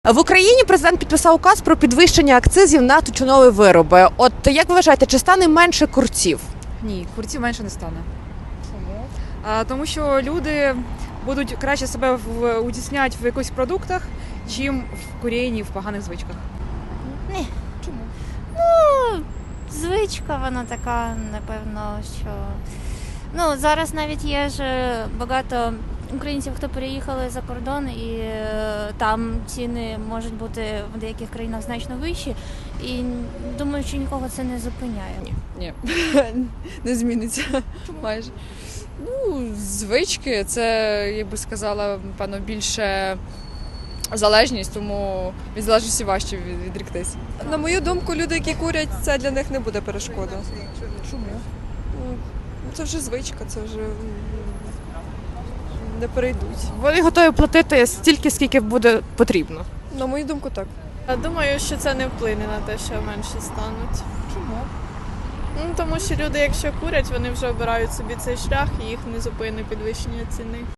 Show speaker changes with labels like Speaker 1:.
Speaker 1: В Україні президент підписав указ про підвищення акцизів на тютюнові вироби. От як ви вважаєте, чи стане менше курців?
Speaker 2: Ні, курців менше не стане. Чому? Тому що люди будуть краще себе утісняти в якихось продуктах, чим в курінні, в поганих звичках.
Speaker 3: Ні.
Speaker 2: Чому?
Speaker 3: Звичка вона така, напевно, що... зараз навіть є ж багато українців, хто переїхали за кордон, і там ціни можуть бути в деяких країнах значно вищі. І думаю, що нікого це не зупиняє.
Speaker 4: Ні, не зміниться майже. Звички, це, я би сказала, певно, більше залежність, тому від залежності важче відріктись.
Speaker 5: На мою думку, люди, які курять, це для них не буде перешкода.
Speaker 2: Чому?
Speaker 5: Це вже звичка, це вже не перейдуть.
Speaker 1: Вони готові платити стільки, скільки буде потрібно.
Speaker 5: На мою думку, так.
Speaker 6: Думаю, що це не вплине на те, що менше стануть.
Speaker 2: Чому?
Speaker 6: Тому що люди, якщо курять, вони вже обирають собі цей шлях і їх не зупине підвищення ціни.